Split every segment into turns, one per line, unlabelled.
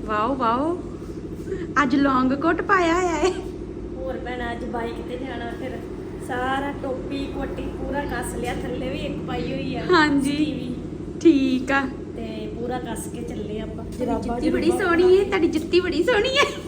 Wow wow ਅੱਜ ਲੌਂਗ ਕੋਟ ਪਾਇਆ ਹੋਇਆ ਏ।
ਹੋਰ ਭੈਣਾ ਅੱਜ ਬਾਈਕ ਤੇ ਜਾਣਾ ਫਿਰ ਸਾਰਾ ਟੋਪੀ ਕੋਟੀ ਪੂਰਾ ਕੱਸ ਲਿਆ, ਥੱਲੇ ਵੀ ਇੱਕ ਪਾਈ ਹੋਈ ਆ।
ਹਾਂਜੀ ਠੀਕ ਆ।
ਤੇ ਪੂਰਾ ਕੱਸ ਕੇ ਚੱਲੇ ਆਪਾਂ।
ਜੁੱਤੀ ਬੜੀ ਸੋਹਣੀ ਏ, ਤੁਹਾਡੀ ਜੁੱਤੀ ਬੜੀ ਸੋਹਣੀ ਏ।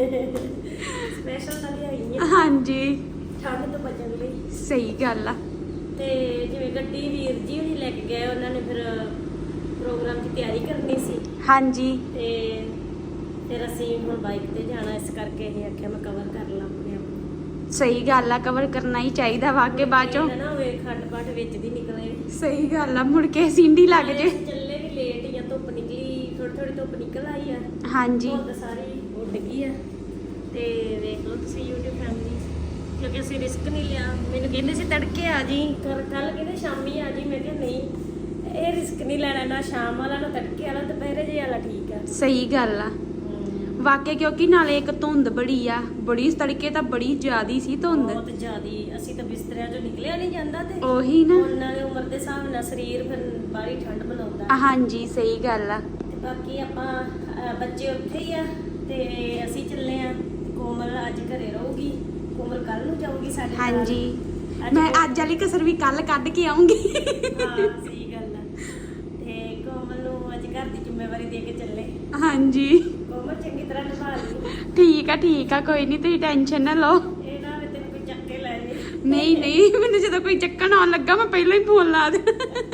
ਸਪੈਸ਼ਲ ਤਾਂ ਲਿਆਈ ਆ
ਹਾਂਜੀ
ਠੰਡ ਤੋਂ ਬਚਣ ਲਈ।
ਸਹੀ ਗੱਲ ਆ।
ਤੇ ਜਿਵੇਂ ਗੱਡੀ ਵੀਰ ਜੀ ਹੁਣੀ ਲੈ ਕੇ ਗਏ, ਉਹਨਾਂ ਨੇ ਫਿਰ ਪ੍ਰੋਗਰਾਮ ਦੀ ਤਿਆਰੀ ਕਰਨੀ ਸੀ।
ਹਾਂਜੀ
ਤੇ ਫਿਰ ਅਸੀਂ ਹੁਣ ਬਾਈਕ ਤੇ ਜਾਣਾ, ਇਸ ਕਰਕੇ ਅਸੀਂ ਆਖਿਆ ਮੈਂ ਕਵਰ ਕਰ ਲਾਂ ਆਪਣੇ ਆਪ ਨੂੰ।
ਸਹੀ ਗੱਲ ਆ, ਕਵਰ ਕਰਨਾ ਹੀ ਚਾਹੀਦਾ ਵਾਕੇ ਬਾਅਦ ਚੋਂ
ਨਾ ਹੋਵੇ ਖੰਡ ਪਾਠ ਵਿੱਚ ਦੀ ਨਿਕਲੇ।
ਸਹੀ ਗੱਲ ਆ, ਮੁੜ ਕੇ ਸਿੰਡੀ ਲੱਗ ਜੇ।
ਚੱਲੇ ਵੀ ਲੇਟ ਹੀ ਆ, ਧੁੱਪ ਨਿਕਲੀ ਥੋੜੀ ਥੋੜੀ ਧੁੱਪ ਨਿਕਲ ਆਈ ਆ।
ਹਾਂਜੀ
ਧੁੱਪ ਸਾਰੀ ਉੱਡ ਗਈ ਆ। ਤੇ ਵੇਖ ਲਓ ਤੁਸੀਂ YouTube ਫੈਮਿਲੀ, ਕਿਉਂਕਿ ਅਸੀਂ ਰਿਸਕ ਨਹੀਂ ਲਿਆ। ਮੈਨੂੰ ਕਹਿੰਦੇ ਸੀ ਤੜਕੇ ਆ ਜੀ, ਕੱਲ ਕਹਿੰਦੇ ਸ਼ਾਮੀ ਆ ਜੀ। ਮੈਂ ਕਿਹਾ ਨਹੀਂ, ਇਹ ਰਿਸਕ ਨਹੀਂ ਲੈਣਾ, ਨਾ ਸ਼ਾਮ ਵਾਲਾ ਨਾ ਤੜਕੇ ਵਾਲਾ, ਦੁਪਹਿਰੇ ਜੇ ਵਾਲਾ ਠੀਕ ਆ।
ਸਹੀ ਗੱਲ ਆ ਵਾਕੇ, ਕਿਉਂਕਿ ਨਾਲੇ ਇੱਕ ਧੁੰਦ ਬੜੀ ਆ, ਬੜੀ ਤੜਕੇ ਤਾਂ ਬੜੀ ਜ਼ਿਆਦੀ ਸੀ ਧੁੰਦ,
ਬਹੁਤ ਜ਼ਿਆਦੀ। ਅਸੀਂ ਤਾਂ ਬਿਸਤਰਿਆਂ ਚੋਂ ਨਿਕਲਿਆ ਨਹੀਂ ਜਾਂਦਾ। ਤੇ
ਉਹੀ ਨਾ,
ਉਹਨਾਂ ਦੇ ਉਮਰ ਦੇ ਹਿਸਾਬ ਨਾਲ ਸਰੀਰ ਫਿਰ ਬਾਹਲੀ ਠੰਡ ਬਣਾਉਂਦਾ।
ਹਾਂਜੀ ਸਹੀ ਗੱਲ ਆ।
ਤੇ ਬਾਕੀ ਆਪਾਂ ਬੱਚੇ ਉੱਥੇ ਹੀ ਆ ਤੇ ਅਸੀਂ ਚੱਲੇ ਆ। ਕੋਮਲ ਅੱਜ ਘਰੇ ਰਹੂਗੀ, ਕੋਮਲ ਕੱਲ ਨੂੰ ਜਾਊਗੀ ਸਾਡੇ ਨਾਲ।
ਹਾਂਜੀ ਮੈਂ ਅੱਜ ਵਾਲੀ ਕਸਰ ਵੀ ਕੱਲ ਕੱਢ ਕੇ ਆਉਂਗੀ।
ਹਾਂ ਸਹੀ ਗੱਲ ਆ। ਤੇ ਕੋਮਲ ਨੂੰ ਅੱਜ ਘਰ ਦੀ ਜ਼ਿੰਮੇਵਾਰੀ ਦੇ ਕੇ ਚੱਲੇ।
ਹਾਂਜੀ
ਕੋਮਲ ਚੰਗੀ ਤਰ੍ਹਾਂ ਨਿਭਾ ਲਈ।
ਠੀਕ ਆ ਕੋਈ ਨਹੀਂ, ਤੁਸੀਂ ਟੈਨਸ਼ਨ ਨਾ ਲਓ।
ਇਹ ਨਾ ਵੀ ਤੈਨੂੰ ਕੋਈ ਚੱਕ ਕੇ ਲੈ ਜੇ।
ਨਹੀਂ ਮੈਨੂੰ ਜਦੋਂ ਕੋਈ ਚੱਕਣ ਆਉਣ ਲੱਗਾ ਮੈਂ ਪਹਿਲਾਂ ਹੀ ਫੋਨ ਲਾ ਦੇ।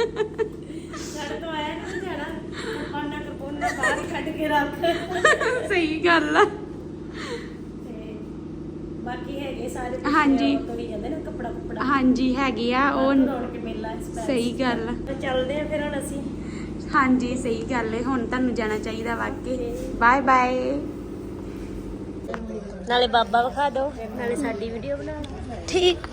ਸਾਡੇ ਤੋਂ ਆਇਆ ਨਾ ਜਾਣਾ, ਪਾਣਾ ਕਰਪੋਨਾ ਬਾਹਰ ਹੀ ਕੱਢ ਕੇ ਰੱਖ।
ਸਹੀ ਗੱਲ ਆ।
ਤੇ ਬਾਕੀ ਹੈਗੇ ਸਾਰੇ
ਹਾਂਜੀ।
ਤੋਰੀ ਜਾਂਦੇ ਨਾ ਕੱਪੜਾ
ਹਾਂਜੀ ਹੈਗੀ ਆ ਉਹ।
ਰੌਣਕ ਮੇਲਾ
ਸਹੀ ਗੱਲ ਆ।
ਤਾਂ ਚੱਲਦੇ ਆ ਫਿਰ ਹੁਣ ਅਸੀਂ।
ਹਾਂਜੀ ਸਹੀ ਗੱਲ ਹੈ, ਹੁਣ ਤੁਹਾਨੂੰ ਜਾਣਾ ਚਾਹੀਦਾ ਵਾਕੇ। Bye bye.
ਨਾਲੇ ਬਾਬਾ ਵਿਖਾ ਦਿਓ, ਨਾਲੇ ਸਾਡੀ ਵੀਡੀਓ ਬਣਾ ਦਿਓ।
ਠੀਕ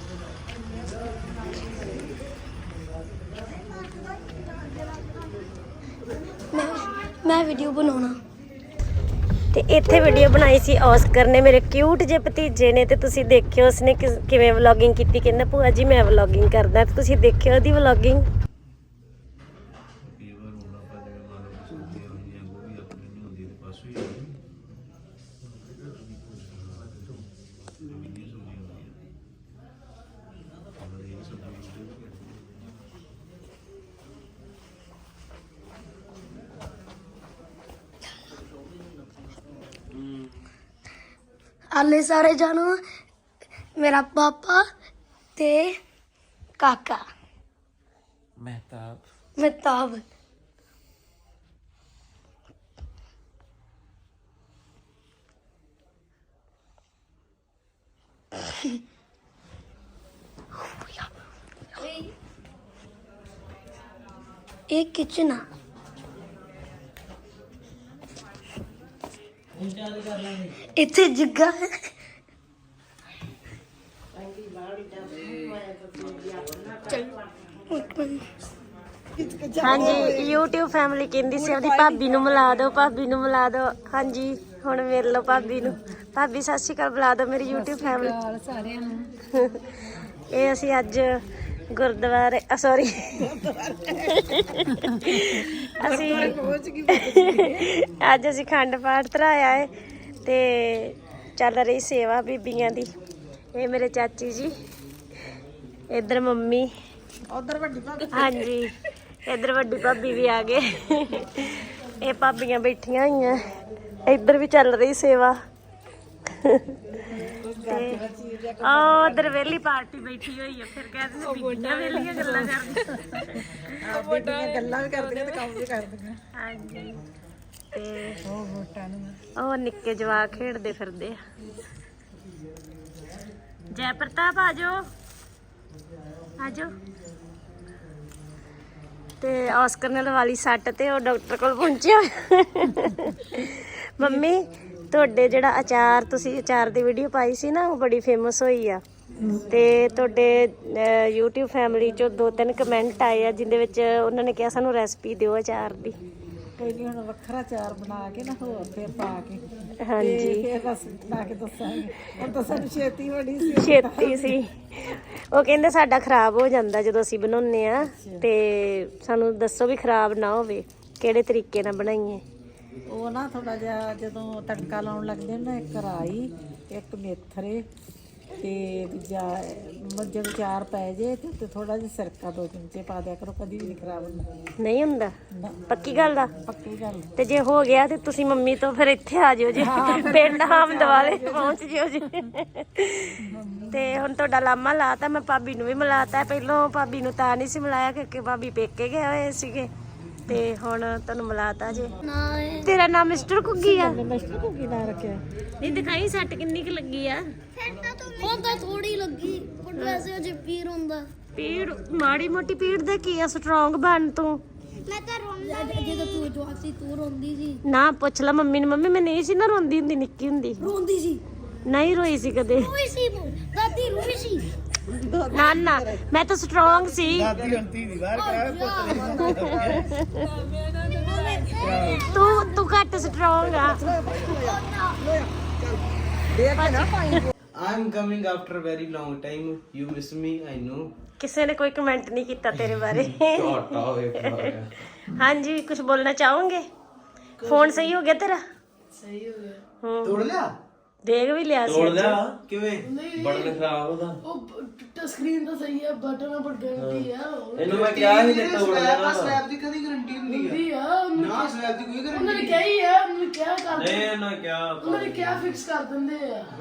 ਮੈਂ ਵੀਡੀਓ ਬਣਾਉਣਾ।
ਤੇ ਇੱਥੇ ਵੀਡੀਓ ਬਣਾਈ ਸੀ ਔਸਕਰ ਨੇ, ਮੇਰੇ ਕਿਊਟ ਜਿਹੇ ਭਤੀਜੇ ਨੇ। ਤੇ ਤੁਸੀਂ ਦੇਖਿਓ ਉਸਨੇ ਕਿਵੇਂ ਵਲੌਗਿੰਗ ਕੀਤੀ। ਕਹਿੰਦਾ ਭੂਆ ਜੀ ਮੈਂ ਵਲੌਗਿੰਗ ਕਰਦਾ, ਤੇ ਤੁਸੀਂ ਦੇਖਿਓ ਉਹਦੀ ਵਲੌਗਿੰਗ।
ਆਲੇ ਸਾਰੇ ਜਾਣੋ, ਮੇਰਾ ਪਾਪਾ ਤੇ ਕਾਕਾ ਮਹਿਤਾਬ। ਇਹ ਕਿਚਨ ਆ। ਇੱਥੇ ਜੱਗਾ ਹੈ।
ਹਾਂਜੀ YouTube ਫੈਮਿਲੀ ਕਹਿੰਦੀ ਸੀ ਆਪਣੀ ਭਾਬੀ ਨੂੰ ਮਿਲਾ ਦਿਓ, ਭਾਬੀ ਨੂੰ ਮਿਲਾ ਦਿਓ। ਹਾਂਜੀ ਹੁਣ ਮਿਲ ਲਓ ਭਾਬੀ ਨੂੰ। ਭਾਬੀ ਸਤਿ ਸ਼੍ਰੀ ਅਕਾਲ ਬੁਲਾ ਦਿਓ ਮੇਰੀ YouTube ਫੈਮਿਲੀ ਸਾਰਿਆਂ ਨੂੰ। ਇਹ ਅਸੀਂ ਅੱਜ ਗੁਰਦੁਆਰੇ ਸੌਰੀ ਅੱਜ ਅਸੀਂ ਖੰਡ ਪਾਠ ਧਰਾਇਆ ਹੈ ਤੇ ਚੱਲ ਰਹੀ ਸੇਵਾ ਬੀਬੀਆਂ ਦੀ। ਇਹ ਮੇਰੇ ਚਾਚੀ ਜੀ, ਇੱਧਰ ਮੰਮੀ, ਉਧਰ ਵੱਡੀ ਭਾਬੀ। ਹਾਂਜੀ ਇੱਧਰ ਵੱਡੀ ਭਾਬੀ ਵੀ ਆ ਗਏ। ਇਹ ਭਾਬੀਆਂ ਬੈਠੀਆਂ ਹੋਈਆਂ, ਇੱਧਰ ਵੀ ਚੱਲ ਰਹੀ ਸੇਵਾ। ਉਧਰ ਵੇਲੀ ਪਾਰਟੀ ਬੈਠੀ ਹੋਈ ਹੈ। ਫਿਰ ਕਹਿੰਦੇ ਸੀ ਬੀਬੀਆਂ ਵੇਲੀਆਂ ਗੱਲਾਂ ਕਰਦੀਆਂ।
ਬੀਬੀਆਂ ਗੱਲਾਂ ਵੀ ਕਰਦੀਆਂ ਤੇ ਕੰਮ ਵੀ ਕਰਦੀਆਂ।
ਹਾਂਜੀ ਤੇ
ਉਹ ਵੋਟਾਂ ਨੂੰ
ਉਹ ਨਿੱਕੇ ਜਵਾਕ ਖੇਡਦੇ ਫਿਰਦੇ ਆ। ਜੈ ਪ੍ਰਤਾਪ ਆਜੋ ਆਜੋ। ਤੇ ਔਸਕਰ ਨੇ ਲਵਾ ਲਈ ਸੱਟ ਤੇ ਉਹ ਡਾਕਟਰ ਕੋਲ ਪਹੁੰਚਿਆ। ਮੰਮੀ ਤੁਹਾਡੇ ਜਿਹੜਾ ਅਚਾਰ, ਤੁਸੀਂ ਅਚਾਰ ਦੀ ਵੀਡੀਓ ਪਾਈ ਸੀ ਨਾ, ਉਹ ਬੜੀ ਫੇਮਸ ਹੋਈ ਆ। ਤੇ ਤੁਹਾਡੇ YouTube ਫੈਮਿਲੀ ਚੋਂ 2-3 ਕਮੈਂਟ ਆਏ ਆ ਜਿੰਦੇ ਵਿੱਚ ਉਹਨਾਂ ਨੇ ਕਿਹਾ ਸਾਨੂੰ ਰੈਸਪੀ ਦਿਓ ਅਚਾਰ ਦੀ।
ਕੋਈ ਨਹੀਂ, ਹੁਣ ਵੱਖਰਾ ਚਾਰ ਬਣਾ ਕੇ ਨਾ ਹੋਰ ਫਿਰ ਪਾ ਕੇ।
ਹਾਂਜੀ
ਫਿਰ ਬਸ ਬਣਾ ਕੇ ਦੱਸਾਂਗੇ। ਹੁਣ ਤਾਂ ਸਾਨੂੰ ਛੇਤੀ ਬੜੀ ਸੀ,
ਛੇਤੀ ਸੀ। ਉਹ ਕਹਿੰਦੇ ਸਾਡਾ ਖਰਾਬ ਹੋ ਜਾਂਦਾ ਜਦੋਂ ਅਸੀਂ ਬਣਾਉਂਦੇ ਆ, ਤੇ ਸਾਨੂੰ ਦੱਸੋ ਵੀ ਖਰਾਬ ਨਾ ਹੋਵੇ, ਕਿਹੜੇ ਤਰੀਕੇ ਨਾਲ ਬਣਾਈਏ।
ਉਹ ਨਾ ਥੋੜਾ ਜਿਹਾ ਜਦੋਂ ਤੜਕਾ ਲਾਉਣ ਲੱਗਦੇ ਨਾ, ਇੱਕ ਰਾਈ, ਇੱਕ ਮੇਥਰੇ ਤੇ ਦੂਜਾ ਜਦੋਂ ਚਾਰ ਪੈ ਜੇ ਤੇ ਥੋੜਾ ਜਿਹਾ ਸਿਰਕਾ 2 ਚਮਚੇ ਪਾ ਦਿਆ ਕਰੋ, ਕਦੀ ਵੀ ਨਹੀਂ ਖਰਾਬ ਹੁੰਦਾ।
ਨਹੀਂ ਹੁੰਦਾ?
ਨਾ,
ਪੱਕੀ ਗੱਲ ਦਾ?
ਪੱਕੀ ਗੱਲ।
ਤੇ ਜੇ ਹੋ ਗਿਆ ਤੇ ਤੁਸੀਂ ਮੰਮੀ ਤੋਂ ਫਿਰ ਇੱਥੇ ਆ ਜਿਓ ਜੀ, ਪਿੰਡ ਹਾਮਦਵਾਲੇ ਪਹੁੰਚ ਜਿਓ ਜੀ। ਤੇ ਹੁਣ ਤੁਹਾਡਾ ਲਾਮਾ ਲਾਤਾ, ਮੈਂ ਭਾਬੀ ਨੂੰ ਵੀ ਮਿਲਾਤਾ। ਪਹਿਲਾਂ ਭਾਬੀ ਨੂੰ ਤਾਂ ਨਹੀਂ ਸੀ ਮਿਲਾਇਆ ਕਿਉਂਕਿ ਭਾਬੀ ਪੇਕੇ ਗਏ ਹੋਏ ਸੀਗੇ, ਤੇ ਹੁਣ ਤੁਹਾਨੂੰ ਮਿਲਾਤਾ ਜੀ। ਤੇਰਾ ਨਾਮ ਮਿਸਟਰ ਕੁੱਗੀ ਆ?
ਮਿਸਟਰ ਕੁੱਗੀ ਨਾ ਰੱਖਿਆ।
ਨਹੀਂ ਦਿਖਾਈ ਸੱਟ ਕਿੰਨੀ ਕੁ ਲੱਗੀ ਆ?
ਹੁਣ ਤਾਂ ਥੋੜੀ ਲੱਗੀ, ਪਰ ਵੈਸੇ ਅਜੇ ਪੀਰ ਹੁੰਦਾ।
ਪੀੜ ਮਾੜੀ ਮੋਟੀ ਪੀੜ ਦਾ ਕੀ ਆ, ਸਟਰੋਂਗ ਬਣ ਤੂੰ।
ਮੈਂ ਤਾਂ ਰੋਂਦਾ ਜਦੋਂ ਤੂੰ ਜਵਾਕ ਸੀ, ਤੂੰ ਰੋਂਦੀ ਸੀ।
ਨਾ ਪੁੱਛ ਲੈ ਮੰਮੀ ਨੂੰ, ਮੰਮੀ ਮੈਂ ਨਹੀਂ ਸੀ ਨਾ ਰੋਂਦੀ ਹੁੰਦੀ ਨਿੱਕੀ ਹੁੰਦੀ।
ਰੋਂਦੀ ਸੀ,
ਨਹੀਂ ਰੋਈ ਸੀ ਕਦੇ।
ਰੋਈ ਸੀ, ਦਾਦੀ ਰੋਈ ਸੀ।
ਨਾ ਨਾ ਮੈਂ ਤਾਂ ਸਟਰੋਂਗ ਸੀ। ਤੂੰ ਘੱਟ ਸਟਰੋਂਗ ਆ।
I'm coming after very long time. You miss me, I know.
ਕਿਸੇ ਨੇ ਕੋਈ ਕਮੈਂਟ ਨਹੀਂ ਕੀਤਾ ਤੇਰੇ ਬਾਰੇ।
ਝੋਟਾ ਹੋਏ
ਹਾਂਜੀ ਕੁਝ ਬੋਲਣਾ ਚਾਹੋਗੇ? ਫੋਨ ਸਹੀ ਹੋ ਗਿਆ ਤੇਰਾ?
ਸਹੀ ਹੋ ਗਿਆ।
ਤੋੜ ਲਿਆ?
ਦੇਖ ਵੀ ਲਿਆ ਸੀ।
ਤੋੜ ਲਿਆ ਕਿਵੇਂ? ਬਟਨ ਖਰਾਬ ਉਹਦਾ।
ਉਹ ਟੱਚ ਸਕਰੀਨ ਤਾਂ ਸਹੀ ਹੈ, ਬਟਨ ਪਰ ਗਾਰੰਟੀ ਆ।
ਇਹਨੂੰ ਮੈਂ ਕਿਹਾ ਸੀ ਤੇ ਤੋੜ ਲਿਆ। ਸਲੈਬ ਦੀ ਕਦੀ ਗਾਰੰਟੀ ਹੁੰਦੀ ਹੈ? ਨਾ ਸਲੈਬ ਦੀ ਕੋਈ ਗਾਰੰਟੀ
ਉਹਨੇ ਕਿਹਾ ਹੀ ਹੈ, ਉਹਨੇ ਕਿਹਾ ਕਰ
ਨਹੀਂ ਨਾ ਕਿਹਾ
ਉਹਨੇ ਕਿਹਾ ਫਿਕਸ ਕਰ ਦਿੰਦੇ ਆ।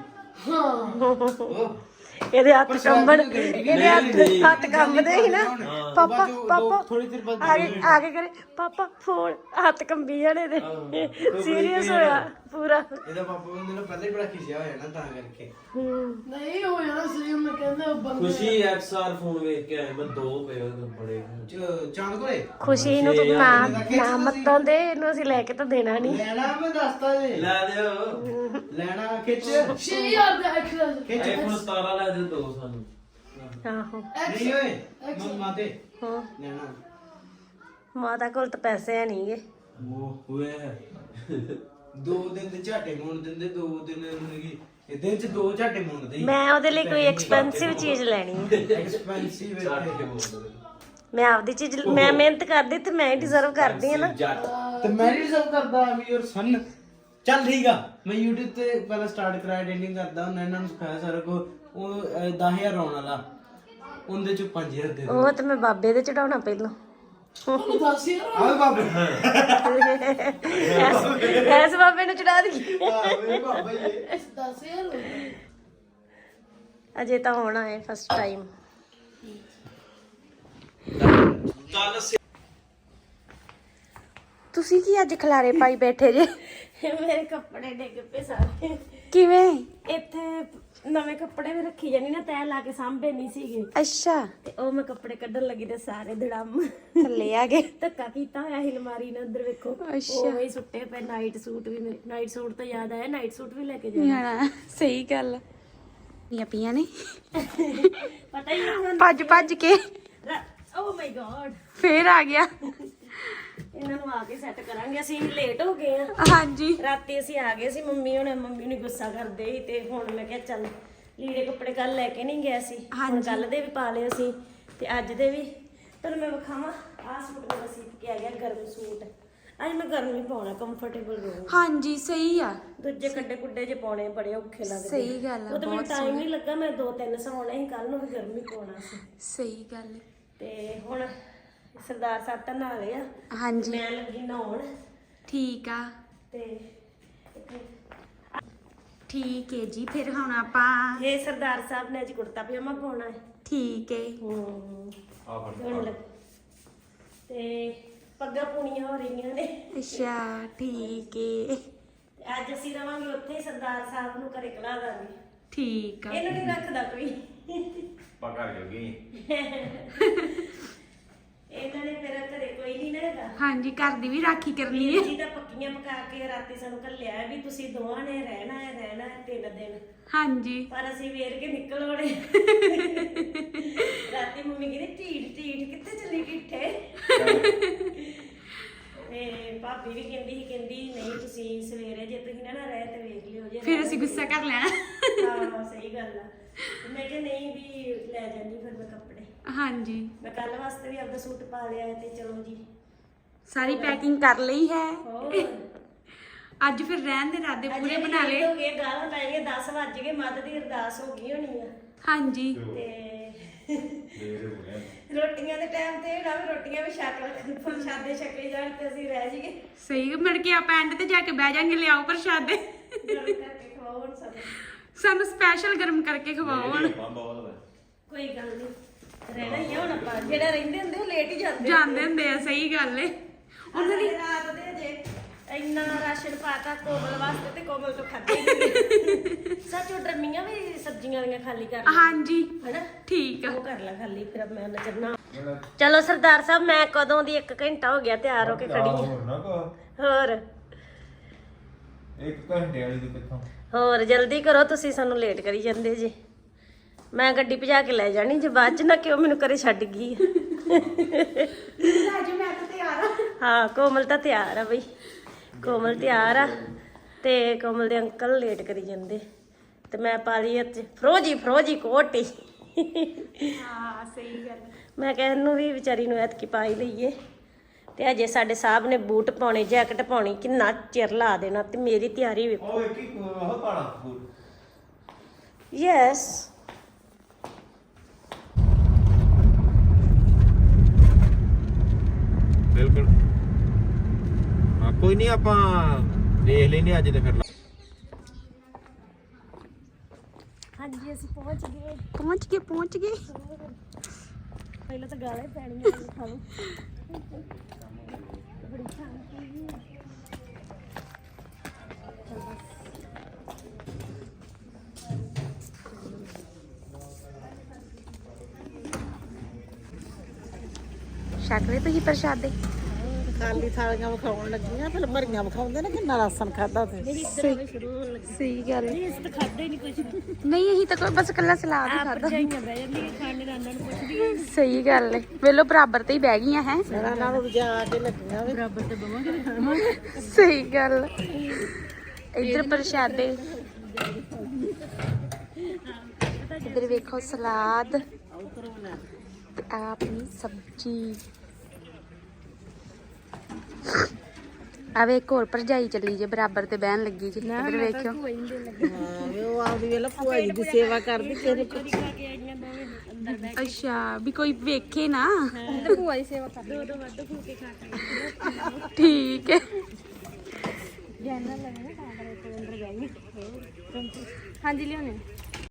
ਹਾਂ
ਇਹਦੇ ਹੱਥ ਕੰਬਣ, ਇਹਦੇ ਹੱਥ ਕੰਬਦੇ ਸੀ ਨਾ। ਪਾਪਾ ਪਾਪਾ
ਥੋੜੀ ਦੇਰ ਬਾਅਦ
ਆ ਕੇ ਕਰੇ ਪਾਪਾ ਫੋਨ, ਹੱਥ ਕੰਬੀ ਜਾਣੇ ਦੇ। ਸੀਰੀਅਸ ਹੋਇਆ ਪੂਰਾ।
ਇਹਦਾ ਪਾਪਾ ਬੰਦੇ ਨੂੰ ਪਹਿਲਾਂ ਹੀ ਬੜਾ ਖਿਸਿਆ ਹੋਇਆ ਨਾ, ਤਾਂ ਕਰਕੇ।
ਨਹੀਂ ਹੋ ਜਾਣਾ ਸਹੀ। ਮੈਂ ਕਹਿੰਦਾ ਬੰਦੇ
ਖੁਸ਼ੀ ਐਕਸਆਰ ਫੋਨ ਵੇਖ ਕੇ ਆਏ, ਮੈਂ 2 ਪਏ ਉਹਦੇ ਬੜੇ ਚਾਂਦ ਕੋਲੇ।
ਖੁਸ਼ੀ ਨੂੰ ਤੂੰ ਨਾ ਮੱਤੋਂ ਦੇ, ਇਹਨੂੰ ਅਸੀਂ ਲੈ ਕੇ ਤਾਂ ਦੇਣਾ ਨਹੀਂ।
ਲੈਣਾ ਮੈਂ ਦੱਸਤਾ ਜੀ, ਲੈ ਦਿਓ। ਲੈਣਾ ਖਿੱਚ
6000 ਦਾ ਐਕਸਟਰਾ
ਖਿੱਚ। ਆਈਫੋਨ 17 ਲੈ ਦੇ 2 ਸਾਨੂੰ।
ਆਹੋ
ਨਹੀਂ ਓਏ ਮੰਮਾ ਤੇ
ਹਾਂ,
ਲੈਣਾ।
ਮਾਤਾ ਕੋਲ ਤਾਂ ਪੈਸੇ ਹੈ ਨਹੀਂਗੇ।
ਉਹ ਹੋਏ 2 ਦਿਨ ਦੇ ਝਾਟੇ ਮੋਣ ਦਿੰਦੇ, 2 ਦਿਨ ਕੀ ਇਹ ਦਿਨ ਚ 2 ਝਾਟੇ ਮੋਣਦੇ।
ਮੈਂ ਉਹਦੇ ਲਈ ਕੋਈ ਐਕਸਪੈਂਸਿਵ ਚੀਜ਼ ਲੈਣੀ ਹੈ।
ਐਕਸਪੈਂਸਿਵ
ਮੈਂ ਆਪਦੀ ਚੀਜ਼, ਮੈਂ ਮਿਹਨਤ ਕਰਦੀ ਤੇ ਮੈਂ ਹੀ ਡਿਜ਼ਰਵ ਕਰਦੀ ਹਾਂ ਨਾ।
ਤੇ ਮੈਂ ਵੀ ਸਭ ਕਰਦਾ ਆਮ ਯੂਰ ਸਨ। ਚੱਲ ਠੀਕ ਆ, ਮੈਂ YouTube ਤੇ ਪਹਿਲਾਂ ਸਟਾਰਟ ਕਰਾਇਆ, ਐਡੀਟਿੰਗ ਕਰਦਾ ਹੁਣ। ਇਹਨਾਂ ਨੂੰ ਸਿਖਾਇਆ ਸਾਰਾ ਕੁਝ। ਉਹ 10000 ਆਉਣ ਵਾਲਾ, ਉਹਦੇ ਚ 5000 ਦੇ।
ਉਹ ਤੇ ਮੈਂ ਬਾਬੇ ਦੇ ਚੜਾਉਣਾ ਪਹਿਲਾਂ।
ਆਵੇ ਬਾਬੇ
ਐਸ ਬਾਬੇ ਨੂੰ ਚੜਾ ਦੀ।
ਆਵੇ ਬਾਬਾ ਇਹ
10000
ਅਜੇ ਤਾਂ ਹੋਣਾ ਹੈ ਫਸਟ ਟਾਈਮ। ਤੁਸੀਂ ਕੀ ਅੱਜ ਖਲਾਰੇ ਪਾਈ ਬੈਠੇ ਜੇ? ਮੇਰੇ ਕੱਪੜੇ ਡਿੱਗ ਪਏ ਸਾਰੇ। ਕਿਵੇਂ? ਇੱਥੇ ਨਵੇਂ ਕੱਪੜੇ ਵੀ ਰੱਖੀ ਜਾਨੀ ਨਾ, ਤੈਅ ਲਾ ਕੇ ਸਾਂਭੇ ਨਹੀਂ ਸੀਗੇ। ਅੱਛਾ। ਤੇ ਉਹ ਮੈਂ ਕੱਪੜੇ ਕੱਢਣ ਲੱਗੀ ਤੇ ਸਾਰੇ ਧੜਮ ਥੱਲੇ ਆ ਗਏ। ਧੱਕਾ ਕੀਤਾ ਹੋਇਆ ਸੀ ਅਲਮਾਰੀ ਨਾਲ, ਉਧਰ ਵੇਖੋ। ਉਹ ਹੀ ਸੁੱਟੇ ਪਏ। ਨਾਈਟ ਸੂਟ ਵੀ, ਨਾਈਟ ਸੂਟ ਤਾਂ ਯਾਦ ਆਇਆ, ਨਾਈਟ ਸੂਟ ਵੀ ਲੈ ਕੇ ਜਾਣਾ।
ਸਹੀ ਗੱਲ ਪੀਆਂ ਨੇ
ਪਤਾ ਹੀ ਨਹੀਂ
ਭੱਜ ਕੇ।
ਓ ਮਾਈ ਗॉड,
ਫੇਰ ਆ ਗਿਆ।
ਇਹਨਾਂ ਨੂੰ ਆ ਕੇ ਸੈੱਟ ਕਰਾਂਗੇ। ਅਸੀਂ ਲੇਟ ਹੋ ਗਏ ਆ।
ਹਾਂਜੀ
ਰਾਤੀ ਅਸੀਂ ਆ ਗਏ ਸੀ। ਮੰਮੀ ਨੂੰ ਗੁੱਸਾ ਕਰਦੇ ਸੀ, ਤੇ ਹੁਣ ਮੈਂ ਕਿਹਾ ਚੱਲ ਲੀੜੇ ਕੱਪੜੇ ਕੱਲ ਲੈ ਕੇ ਨਹੀਂ ਗਿਆ ਸੀ, ਹੁਣ ਕੱਲ ਦੇ ਵੀ ਪਾ ਲਏ ਅਸੀਂ ਤੇ ਅੱਜ ਦੇ ਵੀ। ਤੁਹਾਨੂੰ ਮੈਂ ਵਿਖਾਵਾਂ, ਆਹ ਸੂਟ ਮੇਰਾ ਸੀ ਕਿ ਆ ਗਿਆ ਗਰਮ ਸੂਟ। ਅੱਜ ਮੈਂ ਗਰਮ ਹੀ ਪਾਉਣਾ, ਕੰਫਰਟੇਬਲ ਰਹੂੰ।
ਹਾਂਜੀ ਸਹੀ ਆ।
ਦੂਜੇ ਕੱਡੇ ਕੁੱਡੇ ਜੇ ਪਾਉਣੇ ਬੜੇ ਔਖੇ ਲੱਗਦੇ।
ਸਹੀ ਗੱਲ ਆ,
ਉਹ ਤਾਂ ਮੈਨੂੰ ਟਾਈਮ ਨਹੀਂ ਲੱਗਾ। ਮੈਂ 2-3 ਸਵਾਉਣੇ ਸੀ, ਕੱਲ ਨੂੰ ਵੀ ਗਰਮ ਹੀ ਪਾਉਣਾ ਸੀ।
ਸਹੀ ਗੱਲ।
ਤੇ ਹੁਣ ਸਰਦਾਰ ਸਾਹਿਬ ਤਾਂ ਨਹਾ ਲਏ ਆ।
ਹਾਂਜੀ
ਮੈਂ ਲੱਗੀ ਨਹਾਉਣ।
ਠੀਕ ਆ।
ਤੇ
ਠੀਕ ਹੈ ਜੀ, ਫਿਰ ਹੁਣ ਆਪਾਂ
ਇਹ ਸਰਦਾਰ ਸਾਹਿਬ ਨੇ ਅੱਜ ਕੁੜਤਾ ਪਜਾਮਾ ਪਾਉਣਾ ਹੈ।
ਠੀਕ ਹੈ।
ਤੇ ਪੱਗਾਂ ਪੂਣੀਆਂ ਹੋ ਰਹੀਆਂ ਨੇ।
ਅੱਛਾ ਠੀਕ ਹੈ।
ਤੇ ਅੱਜ ਅਸੀਂ ਰਵਾਂਗੇ ਉੱਥੇ ਹੀ, ਸਰਦਾਰ ਸਾਹਿਬ ਨੂੰ ਘਰੇ ਕਲਾ ਦਾਂਗੇ।
ਠੀਕ ਆ।
ਇਹਨੂੰ ਨਹੀਂ ਰੱਖਦਾ ਕੋਈ।
ਪਕੜ ਜੋਗੀ
ਇਹਨਾਂ ਨੇ ਮੇਰਾ ਘਰੇ ਕੋਈ ਨਹੀਂ ਨਾ ਹੈਗਾ।
ਹਾਂਜੀ ਘਰ ਦੀ ਵੀ ਰਾਖੀ ਕਰਨੀ ਹੈ।
ਜੀ ਤਾਂ ਪੱਕੀਆਂ ਪਕਾ ਕੇ ਰਾਤੀ ਸਾਨੂੰ ਘੱਲਿਆ ਵੀ ਤੁਸੀਂ ਦੋਵਾਂ ਨੇ ਰਹਿਣਾ ਹੈ 3 ਦਿਨ।
ਹਾਂਜੀ
ਪਰ ਅਸੀਂ ਵੇਰ ਕੇ ਨਿਕਲ ਵੜੇ। ਰਾਤੀ ਮੰਮੀ ਕਹਿੰਦੀ ਢੀਠ ਕਿੱਥੇ ਚੱਲੀ ਢਿੱਠੇ। ਤੇ ਭਾਬੀ ਵੀ ਕਹਿੰਦੀ ਨਹੀਂ ਤੁਸੀਂ ਸਵੇਰੇ ਜੇ ਤੁਸੀਂ ਨਾ ਰਹੇ ਤੇ ਵੇਖ ਲਿਓ ਜੇ।
ਫਿਰ ਅਸੀਂ ਗੁੱਸਾ ਕਰ ਲੈਣਾ।
ਹਾਂ ਸਹੀ ਗੱਲ ਆ। ਮੈਂ ਕਿਹਾ ਨਹੀਂ ਵੀ ਲੈ ਜਾਂਦੀ ਫਿਰ ਮੈਂ ਕੱਪੜੇ।
ਹਾਂਜੀ
ਮੈਂ ਕੱਲ ਵਾਸਤੇ ਵੀ ਆਪਦਾ ਸੂਟ ਪਾ ਲਿਆ ਤੇ ਚਲੋ ਜੀ
ਸਾਰੀ ਪੈਕਿੰਗ ਕਰ ਲਈ ਹੈ। ਅੱਜ ਫਿਰ ਰਹਿਣ ਦੇ ਇਰਾਦੇ ਪੂਰੇ ਬਣਾ ਲਏ।
ਹੋ ਗਏ ਗਾਲਾਂ ਪੈ ਗਈਆਂ 10 ਵੱਜ ਗਏ ਮੱਧ ਦੀ ਅਰਦਾਸ ਹੋ ਗਈ ਹੋਣੀ ਆ
ਹਾਂਜੀ
ਤੇ ਰੋਟੀਆਂ ਦੇ ਟਾਈਮ ਤੇ ਨਾ ਵੀ ਰੋਟੀਆਂ ਵੀ ਛਕ ਪ੍ਰਸ਼ਾਦੇ ਛਕੇ ਜਾਣ ਤੇ ਅਸੀਂ ਰਹਿ ਜਾਈਏ
ਸਹੀ ਮਿਲ ਕੇ ਆਪਾਂ ਐਂਡ ਤੇ ਜਾ ਕੇ ਬਹਿ ਜਾਾਂਗੇ ਲਿਆਓ ਪ੍ਰਸ਼ਾਦੇ
ਗਰਮ ਕਰਕੇ ਖਵਾਓ ਹੁਣ
ਸਾਨੂੰ ਸਪੈਸ਼ਲ ਗਰਮ ਕਰਕੇ ਖਵਾਓ ਹੁਣ।
ਕੋਈ ਗੱਲ ਨਹੀਂ ਰਹਿਣਾ ਹੀ ਆ ਹੁਣ ਆਪਾਂ ਜਿਹੜਾ ਰਹਿੰਦੇ ਹੁੰਦੇ ਉਹ ਲੇਟ ਹੀ
ਜਾਂਦੇ ਹੁੰਦੇ ਆ ਸਹੀ ਗੱਲ ਏ।
ਉਹਨਾਂ ਦੀ ਰਾਤ ਦੇ ਜੇ ਇੰਨਾ ਰਾਸ਼ਨ ਪਾਤਾ ਕੋਮਲ ਵਾਸਤੇ ਤੇ ਕੋਮਲ ਤੋਂ ਖਾਦੇ ਨਹੀਂ ਸੱਚ ਉਹ ਡਰਮੀਆਂ ਵੀ ਸਬਜ਼ੀਆਂ ਵਾਲੀਆਂ ਖਾਲੀ ਕਰ ਲਈ
ਹਾਂਜੀ
ਹੈਨਾ
ਠੀਕ ਆ।
ਉਹ ਕਰ ਲੈ ਖਾਲੀ ਫਿਰ ਮੈਂ ਨਜ਼ਰਨਾ ਚਲੋ ਸਰਦਾਰ ਸਾਹਿਬ ਮੈਂ ਕਦੋਂ ਦੀ 1 ਘੰਟਾ ਹੋ ਗਿਆ ਤਿਆਰ ਹੋ ਕੇ ਖੜੀ ਹਾਂ ਹੋਰ
1 ਘੰਟੇ ਵਾਲੀ ਦੀ ਕਿੱਥੋਂ
ਹੋਰ ਜਲਦੀ ਕਰੋ ਤੁਸੀਂ ਸਾਨੂੰ ਲੇਟ ਕਰੀ ਜਾਂਦੇ ਜੀ ਮੈਂ ਗੱਡੀ ਭਜਾ ਕੇ ਲੈ ਜਾਣੀ ਜੇ ਬਾਅਦ ਚ ਨਾ ਕਿਉਂ ਮੈਨੂੰ ਘਰੇ ਛੱਡ ਗਈ ਹਾਂ ਕੋਮਲ ਤਾਂ ਤਿਆਰ ਆ ਬਈ ਕੋਮਲ ਤਿਆਰ ਆ ਤੇ ਕੋਮਲ ਦੇ ਅੰਕਲ ਲੇਟ ਕਰੀ ਜਾਂਦੇ ਤੇ ਮੈਂ ਪਾ ਲਈ ਅੱਜ ਫਰੋਜੀ ਕੋਟੀ
ਹਾਂ ਸਹੀ ਗੱਲ।
ਮੈਂ ਕਿਹਾ ਇਹਨੂੰ ਵੀ ਵਿਚਾਰੀ ਨੂੰ ਐਤਕੀ ਪਾ ਹੀ ਲਈਏ ਤੇ ਅਜੇ ਸਾਡੇ ਸਾਹਿਬ ਨੇ ਬੂਟ ਪਾਉਣੇ ਜੈਕਟ ਪਾਉਣੀ ਕਿੰਨਾ ਚਿਰ ਲਾ ਦੇਣਾ ਤੇ ਮੇਰੀ ਤਿਆਰੀ ਵੇਖੋ
ਉਹ ਇੱਕ ਹੀ ਉਹ ਪਾਣਾ ਫੂਲ
ਯੈਸ
ਬਿਲਕੁਲ ਹਾਂ ਕੋਈ ਨਹੀਂ ਆਪਾਂ ਦੇਖ ਲੈਨੇ ਅੱਜ ਤੇ ਫਿਰ
ਹਾਂਜੀ ਅਸੀਂ ਪਹੁੰਚ ਗਏ
ਪਹੁੰਚ ਗਏ
ਪਹਿਲਾਂ ਤਾਂ ਗਾਲਾਂ ਹੀ ਪੈਣੀਆਂ ਖਾ ਲਓ ਬੜੀ ਸ਼ਾਂਤੀ
ਛਕ ਲਏ ਤੁਸੀਂ ਪ੍ਰਸ਼ਾਦੇ।
ਖਾਲੀ ਥਾਲੀਆਂ ਵਿਖਾਉਣ ਲੱਗੀਆਂ ਫਿਰ ਭਰੀਆਂ ਵਿਖਾਉਂਦੇ ਨੇ ਕਿੰਨਾ ਰਾਸ਼ਨ ਖਾਦਾ ਤੇ
ਸਹੀ ਗੱਲ ਏ।
ਇਸ ਤਾਂ ਖਾਦੇ ਨਹੀਂ ਕੁਝ
ਨਹੀਂ ਅਸੀਂ ਤਾਂ ਕੋਈ ਬਸ ਕੱਲਾ ਸਲਾਦ ਹੀ ਖਾਦਾ।
ਭਰਜਾਈਆਂ ਬਹਿ ਜਾਂਦੀਆਂ ਖਾਣੇ ਰਾਂਡਾਂ ਨੂੰ ਪੁੱਛਦੀਆਂ
ਸਹੀ ਗੱਲ ਏ। ਵੇਲੋ ਬਰਾਬਰ ਤੇ ਹੀ ਬਹਿ ਗਈਆਂ ਹੈ।
ਮੇਰਾ ਨਾਲ ਜਾ ਕੇ ਲੱਗੀਆਂ ਵੀ
ਬਰਾਬਰ ਤੇ ਬਵਾਂਗੇ
ਸਹੀ ਗੱਲ। ਇੱਧਰ ਪ੍ਰਸ਼ਾਦੇ ਇੱਧਰ ਵੇਖੋ ਸਲਾਦ ਤੇ ਆਹ ਆਪਣੀ ਸਬਜ਼ੀ। ਆਵੇ ਇੱਕ ਹੋਰ ਭਰਜਾਈ ਚੱਲੀ ਜੇ ਬਰਾਬਰ ਤੇ ਬਹਿਣ ਲੱਗੀ ਜੀ। ਇੱਧਰ ਵੇਖਿਓ
ਹਾਂ ਵੀ ਉਹ ਆਪਦੀ ਵੇਲੇ ਭੂਆ ਜੀ ਦੀ ਸੇਵਾ ਕਰਦੀ ਕਿਹਨੇ
ਅੱਛਾ ਵੀ ਕੋਈ ਵੇਖੇ ਨਾ
ਭੂਆ ਦੀ ਸੇਵਾ ਕਰ ਦੋ ਵੱਧ ਫੁਲਕੇ ਖਾ ਕੇ
ਠੀਕ ਹੈ।
ਜੈਨਰਲ ਲੈਣਾ ਤਾਂ ਅੰਦਰ ਬਹਿ ਗਈ ਹਾਂਜੀ ਲਿਆਉਣੇ